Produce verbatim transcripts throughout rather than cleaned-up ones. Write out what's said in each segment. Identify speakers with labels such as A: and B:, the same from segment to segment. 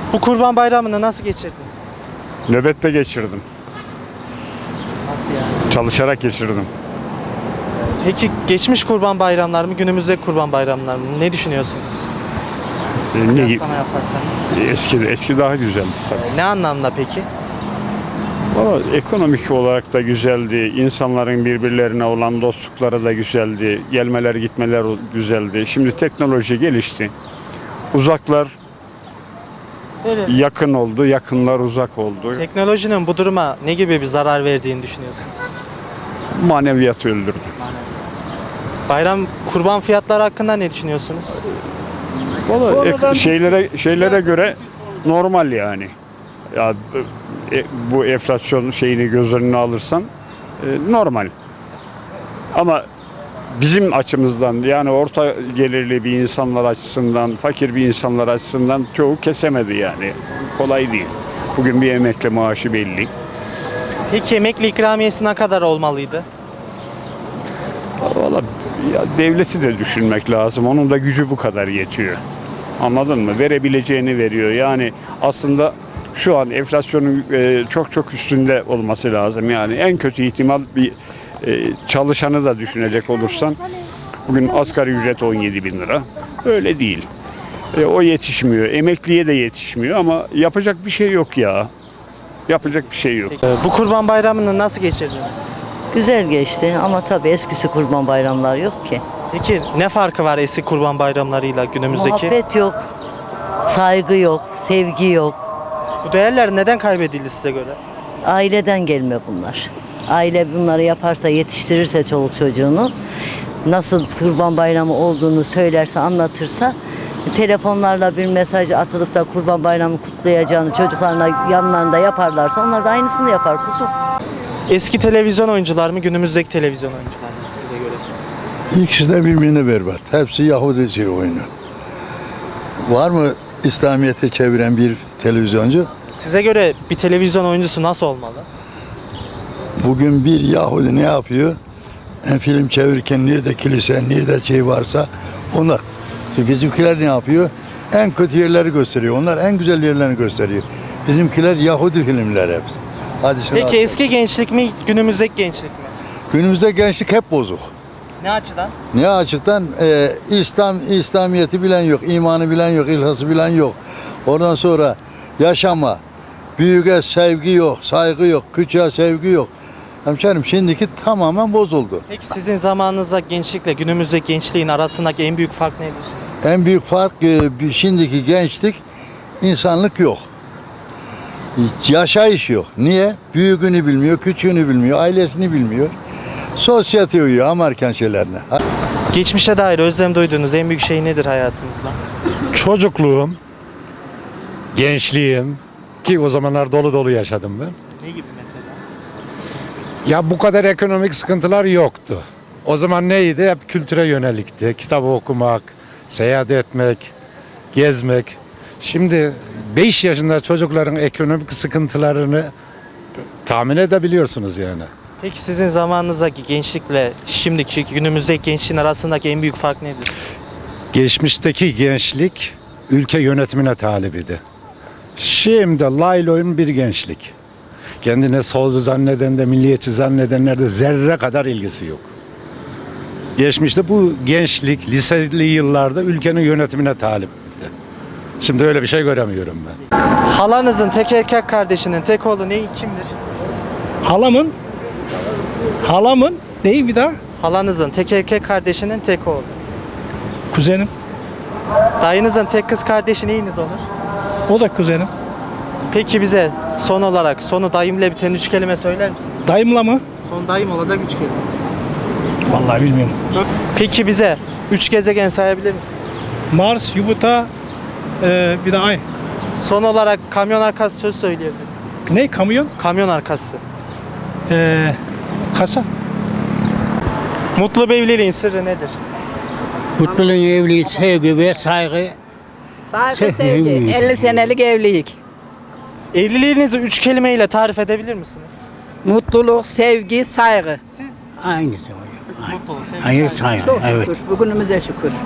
A: Bu Kurban Bayramı'nı nasıl geçirdiniz?
B: Nöbette geçirdim.
A: Nasıl yani?
B: Çalışarak geçirdim.
A: Peki geçmiş Kurban Bayramlar mı, günümüzde Kurban Bayramlar mı? Ne düşünüyorsunuz?
B: Ee, ne,
A: Kıyaslama yaparsanız.
B: eski, eski daha güzeldi tabii.
A: Ne anlamda peki?
B: Valla ekonomik olarak da güzeldi. İnsanların birbirlerine olan dostlukları da güzeldi. Gelmeler gitmeler güzeldi. Şimdi teknoloji gelişti. Uzaklar
A: Evet.
B: yakın oldu, yakınlar uzak oldu.
A: Teknolojinin bu duruma ne gibi bir zarar verdiğini düşünüyorsunuz?
B: Maneviyatı öldürdü.
A: Bayram kurban fiyatları hakkında ne düşünüyorsunuz?
B: Valla ek- şeylere şeylere göre normal yani. Ya e, bu enflasyon şeyini göz önüne alırsan e, normal. Ama bizim açımızdan yani orta gelirli bir insanlar açısından, fakir bir insanlar açısından çoğu kesemedi yani. Kolay değil. Bugün bir emekli maaşı belli.
A: Peki emekli ikramiyesi ne kadar olmalıydı?
B: Valla ya devleti de düşünmek lazım. Onun da gücü bu kadar yetiyor. Anladın mı? Verebileceğini veriyor. Yani aslında şu an enflasyonun e, çok çok üstünde olması lazım. Yani en kötü ihtimal bir e, çalışanı da düşünecek olursan bugün asgari ücret on yedi bin lira. Öyle değil. E, o yetişmiyor. Emekliye de yetişmiyor ama yapacak bir şey yok ya. Yapacak bir şey yok.
A: Peki, bu Kurban Bayramı'nı nasıl geçirdiniz?
C: Güzel geçti ama tabii eskisi kurban bayramlar yok ki.
A: Peki ne farkı var eski Kurban Bayramlarıyla günümüzdeki?
C: Muhabbet yok, saygı yok, sevgi yok.
A: Bu değerler neden kaybedildi size göre?
C: Aileden gelme bunlar. Aile bunları yaparsa, yetiştirirse çoluk çocuğunu, nasıl kurban bayramı olduğunu söylerse, anlatırsa, telefonlarla bir mesaj atılıp da kurban bayramı kutlayacağını çocuklarına yanlarında yaparlarsa onlar da aynısını yapar kuzum.
A: Eski televizyon oyuncular mı, günümüzdeki televizyon oyuncular mı size göre?
D: İkisi de birbirine berbat. Hepsi Yahudi şey oyunu. Var mı İslamiyet'e çeviren bir televizyoncu?
A: Size göre bir televizyon oyuncusu nasıl olmalı?
D: Bugün bir Yahudi ne yapıyor? En film çevirirken nerede kilise, nerede şey varsa onlar. İşte bizimkiler ne yapıyor? En kötü yerleri gösteriyor. Onlar en güzel yerlerini gösteriyor. Bizimkiler Yahudi filmler hepsi. Hadi şunu
A: Peki
D: al.
A: eski gençlik mi, günümüzdeki gençlik mi?
D: Günümüzde gençlik hep bozuk.
A: Ne açıdan?
D: Ne açıktan? Ee, İslam, İslamiyet'i bilen yok, imanı bilen yok, ilhası bilen yok. Ondan sonra yaşama, büyüğe sevgi yok, saygı yok, küçüğe sevgi yok. Hemşerim şimdiki tamamen bozuldu.
A: Peki sizin zamanınızda gençlikle günümüzdeki gençliğin arasındaki en büyük fark nedir?
D: En büyük fark e, bir- şimdiki gençlik insanlık yok. Yaşayış yok. Niye? Büyüğünü bilmiyor, küçüğünü bilmiyor, ailesini bilmiyor. Sosyete uyuyor Amerikan şeylerine.
A: Geçmişe dair özlem duyduğunuz en büyük şey nedir hayatınızda?
E: Çocukluğum, gençliğim ki o zamanlar dolu dolu yaşadım ben.
A: Ne gibi mesela?
E: Ya bu kadar ekonomik sıkıntılar yoktu. O zaman neydi? Hep kültüre yönelikti. Kitap okumak, seyahat etmek, gezmek. Şimdi beş yaşında çocukların ekonomik sıkıntılarını tahmin edebiliyorsunuz yani.
A: Peki sizin zamanınızdaki gençlikle şimdiki günümüzdeki gençliğin arasındaki en büyük fark nedir?
E: Geçmişteki gençlik ülke yönetimine talip idi. Şimdi layloyun bir gençlik. Kendine solcu zanneden de milliyetçi zannedenler de zerre kadar ilgisi yok. Geçmişte bu gençlik liseli yıllarda ülkenin yönetimine talipti. Şimdi öyle bir şey göremiyorum ben.
A: Halanızın tek erkek kardeşinin tek oğlu ne kimdir?
F: Halamın Halamın neyi bir daha?
A: Halanızın tek erkek kardeşinin tek oğlu.
F: Kuzenim.
A: Dayınızın tek kız kardeşi neyiniz olur?
F: O da kuzenim.
A: Peki bize son olarak sonu dayımla biten üç kelime söyler misiniz?
F: Dayımla mı?
A: Son dayım olacak üç kelime.
F: Vallahi bilmiyorum.
A: Peki bize üç gezegen sayabilir misiniz?
F: Mars, Jüpiter, e, bir de Ay.
A: Son olarak kamyon arkası söz söyleyebilir misiniz?
F: Ne? Kamyon?
A: Kamyon arkası.
F: E, kasa.
A: Mutlu bir evliliğin sırrı nedir?
G: Mutluluğun evliliği, sevgi ve saygı.
H: Saygı,
G: Sevgi,
H: sevgi.
G: evlilik.
H: elli senelik evlilik.
A: Evliliğinizi üç kelimeyle tarif edebilir misiniz?
H: Mutluluk, sevgi, saygı.
A: Siz?
G: Aynısı hocam. Aynı.
A: Mutluluk, sevgi,
G: Hayır
A: saygı.
G: saygı.
H: Çok
G: Evet.
H: şükür. Bugünümüze şükür.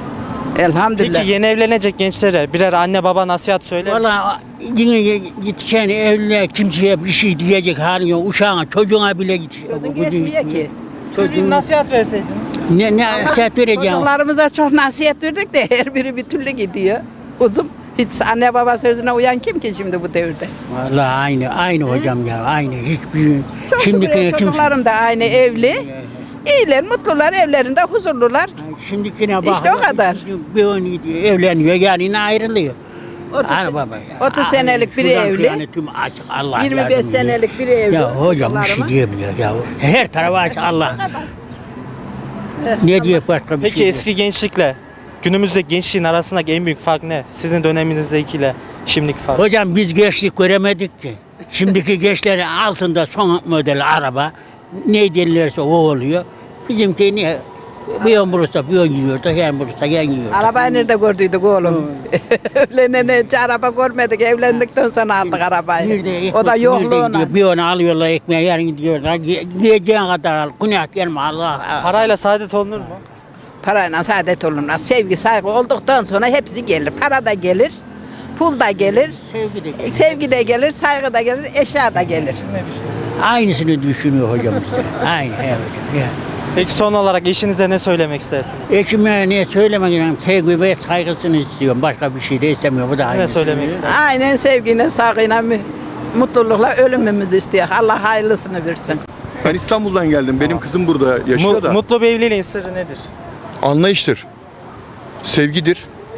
H: Elhamdülillah.
A: Peki yeni evlenecek gençlere birer anne baba nasihat söyler mi?
G: Valla yine yetişen evliliğe kimseye bir şey diyecek hali yok. Uşağına, çocuğuna bile yetişiyor.
H: Çocuğun geçmiyor ki.
A: Siz bir nasihat verseydiniz.
G: Ne, ne nasihat vereceğim?
H: Çocuklarımıza çok nasihat verdik de her biri bir türlü gidiyor. Uzun. Hiç anne baba sözüne uyan kim ki şimdi bu devirde?
G: Valla aynı, aynı hocam ya, aynı. Hiçbir,
H: Çok
G: şimdiki
H: şükür
G: kimse...
H: çocuklarım da aynı evli. İyiler, mutlular, evlerinde huzurlular.
G: Şimdikine bak.
H: İşte o kadar.
G: Bir on evleniyor, yani ayrılıyor.
H: otuz
G: Ana baba ya.
H: otuz senelik biri
G: Şuradan
H: evli.
G: şuraya tüm açık, Allah
H: yirmi beş
G: yardım ediyor.
H: senelik biri evli.
G: Ya hocam bir şey
H: çocuklarıma.
G: diyemiyor ya. Her tarafa aç Allah. Ne diye başka bir
A: Peki
G: şey
A: eski gençlikle günümüzdeki gençliğin arasındaki en büyük fark ne? Sizin döneminizdekiyle şimdiki fark.
G: Hocam biz gençlik göremedik ki. Şimdiki gençlerin altında son model araba ne denilirse o oluyor. Bizimki ne? Bir yön bulursa bir yön yiyor da yan bulursa yan yiyor.
H: Arabayı nerede gördüydük oğlum? Evlenene hiç araba görmedik. Evlendikten sonra aldık arabayı.
G: Nerede ekmek,
H: O da
G: nerede
H: yokluğuna.
G: gidiyor? Bir onu alıyorlar ekmeği, yarın gidiyorlar. Gi- Giyeceğin kadar al. Günah gelme Allah.
A: Parayla saadet olunur mu?
H: Parayla saadet olunmaz. Sevgi, saygı olduktan sonra hepsi gelir. Para da gelir, pul da gelir,
G: Sevgi de geliyor.
H: sevgi de gelir, saygı da gelir, eşya da gelir.
G: Aynısını düşünüyor hocam işte. Aynı evet. Ya.
A: Peki son olarak eşinize ne söylemek istersiniz?
G: Eşime ne söylemek istiyorum? Sevgi ve saygısını istiyorum. Başka bir şey de istemiyorum. Bu da
A: Siz ne
G: aynı.
A: söylemek istersiniz?
H: Aynen sevgiyle, saygıyla, mü- mutlulukla ölümümüzü istiyor. Allah hayırlısını versin.
I: Ben İstanbul'dan geldim. Benim kızım burada yaşıyor
A: Mu-
I: da.
A: mutlu bir evliliğin sırrı nedir?
I: Anlayıştır. Sevgidir.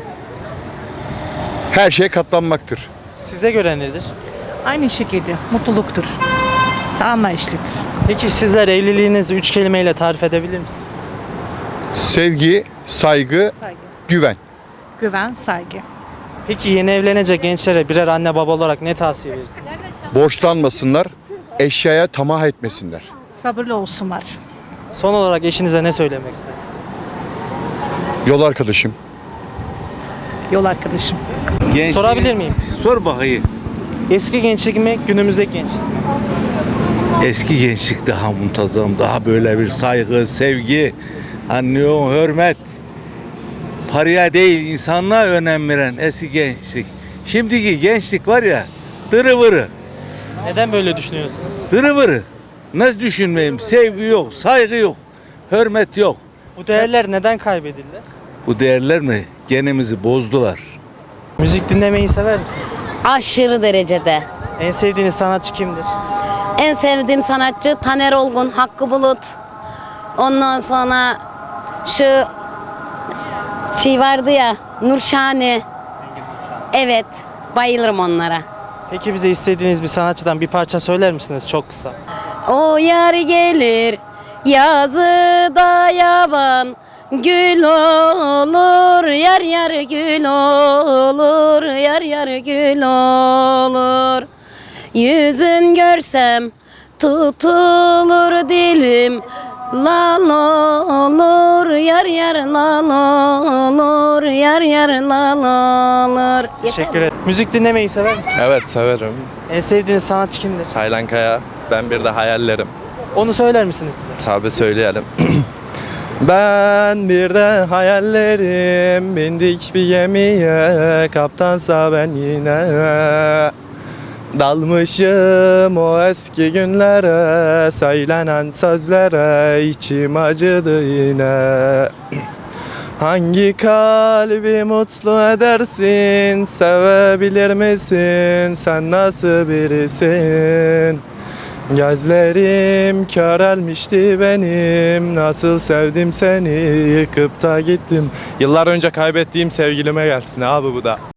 I: Her şeye katlanmaktır.
A: Size göre nedir?
J: Aynı şekilde mutluluktur. Anlayışlıdır.
A: Peki sizler evliliğinizi üç kelimeyle tarif edebilir misiniz?
I: Sevgi, saygı,
J: Saygı.
I: güven.
J: Güven, saygı.
A: Peki yeni evlenecek gençlere birer anne baba olarak ne tavsiye verirsiniz?
I: Borçlanmasınlar, eşyaya tamah etmesinler.
J: Sabırlı olsunlar.
A: Son olarak eşinize ne söylemek istersiniz?
I: Yol arkadaşım.
J: Yol arkadaşım.
A: Sorabilir miyim?
K: Sor bakayım.
A: Eski gençlik mi, günümüzdeki gençlik mi?
K: Eski gençlik daha muntazam, daha böyle bir saygı, sevgi, anlıyor, hürmet. Paraya değil, insanlığa önem veren eski gençlik. Şimdiki gençlik var ya, dırıvırı,
A: Neden böyle düşünüyorsunuz?
K: dırıvırı. Nasıl düşünmeyeyim? Sevgi yok, saygı yok, hürmet yok.
A: Bu değerler neden kaybedildi?
K: Bu değerler mi? Genimizi bozdular.
A: Müzik dinlemeyi sever misiniz?
L: Aşırı derecede.
A: En sevdiğiniz sanatçı kimdir?
L: En sevdiğim sanatçı Taner Olgun, Hakkı Bulut. Ondan sonra şu şey vardı ya, Nurşani. Evet, bayılırım onlara.
A: Peki bize istediğiniz bir sanatçıdan bir parça söyler misiniz çok kısa?
L: O yar gelir yazıda yaban, gül olur, yar yar gül olur, yar yar gül olur. Yüzün görsem tutulur dilim, lal olur, yar yar lal olur, yar yar lal olur.
A: Teşekkür ederim. Müzik dinlemeyi sever misiniz?
M: Evet severim.
A: En sevdiğiniz sanatçı kimdir?
M: Taylan Kaya. Ben bir de hayallerim.
A: Onu söyler misiniz bize?
M: Tabi söyleyelim. Ben bir de hayallerim, bindik bir gemiye, kaptansa ben yine. Dalmışım o eski günlere, söylenen sözlere, içim acıdı yine. Hangi kalbi mutlu edersin, sevebilir misin, sen nasıl birisin? Gözlerim körelmişti benim, nasıl sevdim seni, yıkıp da gittim. Yıllar önce kaybettiğim sevgilime gelsin abi bu da.